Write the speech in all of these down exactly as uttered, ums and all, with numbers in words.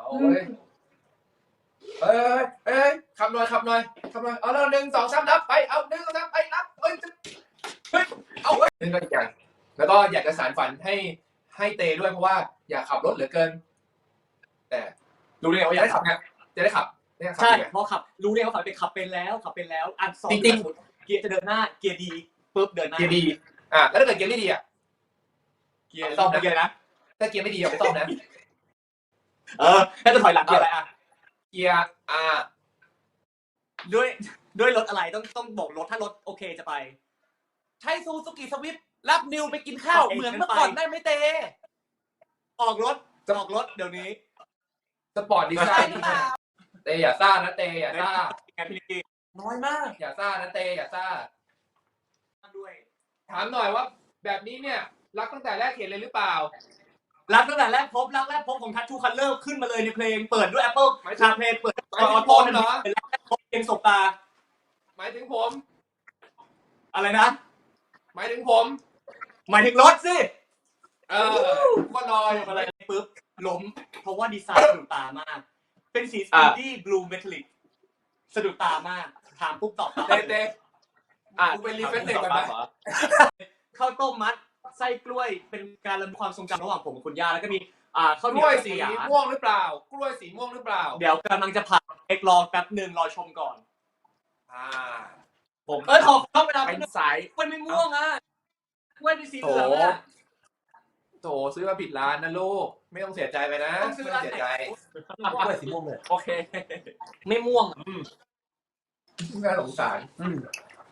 เอาเว้ยเอ้ยเอ้ยขับหน่อยขับหน่อยขับหน่อยเอาแล้วหนึ่งสองสามนับไปเอาหนึ่งสองสามไปนับเอ้ยเฮ้ยเอาเว้ยนี่ก็อีกอย่างแล้วก็อยากจะสานฝันให้ให้เตด้วยเพราะว่าอยากขับรถเหลือเกินแต่รู้ได้ไงว่าอยากขับเนี่ยจะได้ขับใช่เพราะขับรู้เลยว่าขับเป็นขับเป็นแล้วขับเป็นแล้วอันสองจริงๆเกียร์จะเดินหน้าเกียร์ดีปุ๊บเดินหน้าเกียร์ดีอ่ะแล้วถ้าเกิดเกียร์ไม่ดีอ่ะเกียร์ซ่อมเกียร์นะถ้าเกียร์ไม่ดีอย่าไปซ่อมนะเออถ้าจะถอยหลังเกียร์อะไรอ่ะเกียร์อ่าด้วยด้วยรถอะไรต้องต้องบอกรถถ้ารถโอเคจะไปใช้ซูซูกิสวิฟรับนิวไปกินข้าวเหมือนเมื่อก่อนได้ไหมเตออกรถออกรถเดี๋ยวนี้สปอร์ตดีไซน์เตอย่าซ่านะเตอย่าซ่าแกพี่นิกกี้น้อยมากอย่าซ่านะเตอย่าซ่าด้วยถามหน่อยว่าแบบนี้เนี่ยรักตั้งแต่แรกเห็นเลยหรือเปล่ารักตั้งแต่แรกพบรักแรกพบของทัชชูคัลเลอร์ขึ้นมาเลยในเพลงเปิดด้วย Apple ชาเพลงเปิดออโต้เหรอเป็นรักแรกพบเพลงสบตาหมายถึงผมอะไรนะหมายถึงผมหมายถึงรถสิเออก็ลอยอะไรปุ๊บล้มเพราะว่าดีไซน์สะดุดตามากเป็นสีสปีดี้บลูเมทัลลิกสะดุดตามากถามปุ๊บตอบเต้เต้อ่ะกูเป็นรีเฟรชเด็กกันไหมข้าวต้มมัดไส้กล้วยเป็นการระลึกความทรงจำระหว่างผมกับคุณย่าแล้วก็มีอ่าข้าวเหนียวสีม่วงหรือเปล่ากล้วยสีม่วงหรือเปล่าเดี๋ยวกำลังจะผ่านเอกรอแป๊บหนึ่งรอชมก่อนอ่าผมเออขอเข้าเวลาเป็นสายกล้วยไม่ม่วงอ่ะกล้วยเป็นสีเหลืองอ่ะโถซื้อมาผิดร้านนะลูกไม่ต้องเสียใจไปนะต้องซื้อร้านเสียใจกล้วยสีม่วงเลยโอเคไม่ม่วงอืมน่าสงสารอืม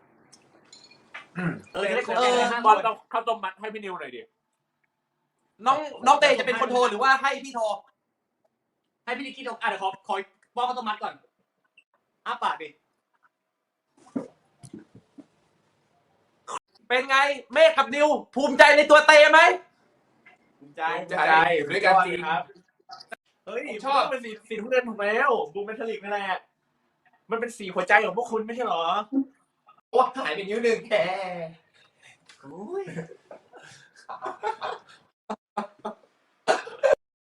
เออเออบอลต้องเข้าต้มมัดให้พี่นิวหน่อยดิน้องน้องเตจะเป็นคนโทรหรือว่าให้พี่โทรให้พี่นิกกี้โทรอ่ะเดี๋ยวขอขอป้อนข้าวต้มมัดก่อนอ้าปากดิเป็นไงเมฆกับนิวภูมิใจในตัวเตไหมภูมิใจใจด้วยกันจริงครับเฮ้ยชอบเป็นสีสีทุกเดือนถูกแล้วบูมเมทัลลิกนั่นแหละมันเป็นสีหัวใจของพวกคุณไม่ใช่หรอว่าหายไปนิ้วหนึ่งแค่